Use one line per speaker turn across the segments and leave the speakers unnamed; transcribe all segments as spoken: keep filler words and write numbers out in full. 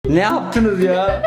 Ne yaptınız ya?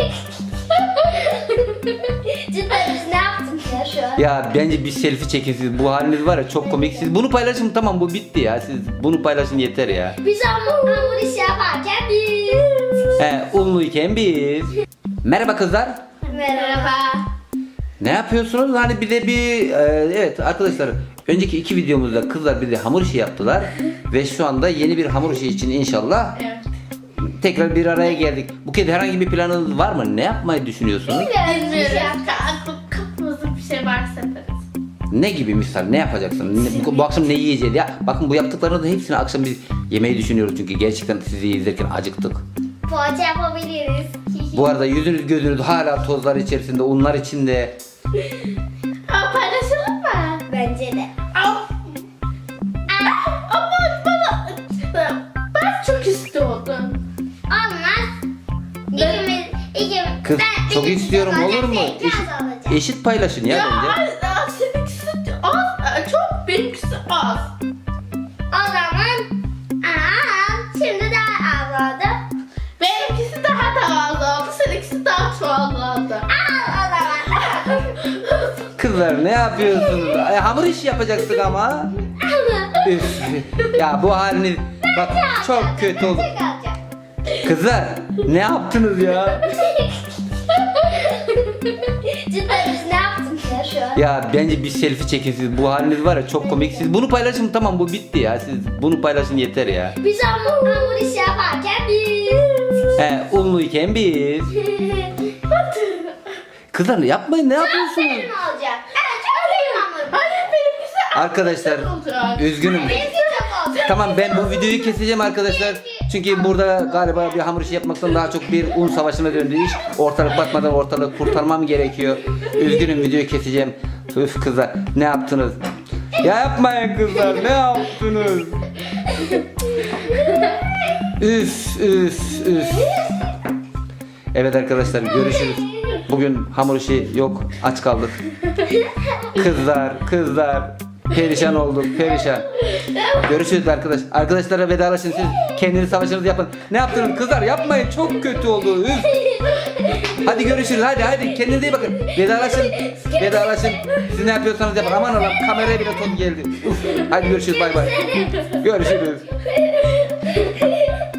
Cidden biz ne yaptık ya şu an?
Ya bence bir selfie çekin siz. Bu haliniz var ya çok komik. Siz bunu paylaşın, tamam, bu bitti ya. Siz bunu paylaşın yeter ya.
Biz hamur, hamur işi yaparken biz.
He, unluyken biz. Merhaba kızlar.
Merhaba.
Ne yapıyorsunuz? Hani bir de bir e, evet arkadaşlar, önceki iki videomuzda kızlar bir de hamur işi yaptılar ve şu anda yeni bir hamur işi için inşallah
Evet.
tekrar bir araya geldik. Bu kez herhangi bir planınız var mı? Ne yapmayı düşünüyorsunuz?
Bilmiyoruz bir şey
Bilmiyorum.
yaptık.
Aklım kafamızda bir şey varsa yaparız.
Ne gibi misal? Ne yapacaksın? Ne- bu, bu akşam ne yiyeceğiz ya? Bakın bu yaptıklarınızın hepsini akşam biz yemeği düşünüyoruz çünkü gerçekten sizi izlerken acıktık.
Poğaça yapabiliriz.
Bu arada yüzünüz gözünüz hala tozlar içerisinde, unlar içinde.
Aa, paylaşalım mı?
Bence de.
Aa, ama bana ben çok istiyordum.
Olmaz. İkimiz, ikimiz.
Kız
ben,
çok
ikimiz
istiyorum,
alacak,
olur mu?
sen
Eşit,
biraz alacak.
eşit paylaşın ya,
Ya,
bence.
aa, seninkisi az, aa, çok benimkisi az.
O zaman aa, şimdi daha az oldu.
Benimkisi daha da az oldu, seninkisi daha çoğaldı.
Al o zaman.
Kızlar ne yapıyorsunuz? Ay, hamur işi yapacaktık ama. Üf. Ya bu haliniz bak çok kötü oldu.
Tek alacağım.
Kızlar ne yaptınız ya?
Cidden biz ne yaptık ya şu an?
Ya bence bir selfie çekin siz. Bu haliniz var ya çok komik. Siz bunu paylaşın, tamam, bu bitti ya. Siz bunu paylaşın yeter ya.
Biz hamur, hamur işi yaparken biz.
He, unluyken biz. Kızlar yapmayın, ne yapıyorsunuz?
Benim olacak. Evet çok benim hamur.
Hayır, benimkisi az
Arkadaşlar
olacak.
üzgünüm.
Benimki çok olacak.
Tamam, ben bu videoyu keseceğim arkadaşlar. Çünkü burada galiba bir hamur işi yapmaktan daha çok bir un savaşına döndü iş. Ortalık batmadan ortalığı kurtarmam gerekiyor. Üzgünüm, videoyu keseceğim. Üf kızlar ne yaptınız? Ya yapmayın kızlar, ne yaptınız? Üf üf üf. Evet arkadaşlar, görüşürüz. Bugün hamur işi yok, aç kaldık. Kızlar kızlar perişan olduk, perişan. Görüşürüz arkadaş. Arkadaşlara vedalaşın, siz kendiniz savaşınızı yapın. Ne yaptınız kızlar, yapmayın, çok kötü oldu. Üf. Hadi görüşürüz, hadi hadi kendinize iyi bakın. Vedalaşın, vedalaşın. Siz ne yapıyorsanız yapın. Aman Allah'ım, kameraya bile toz geldi. Uf. Hadi görüşürüz, bay bay. Görüşürüz.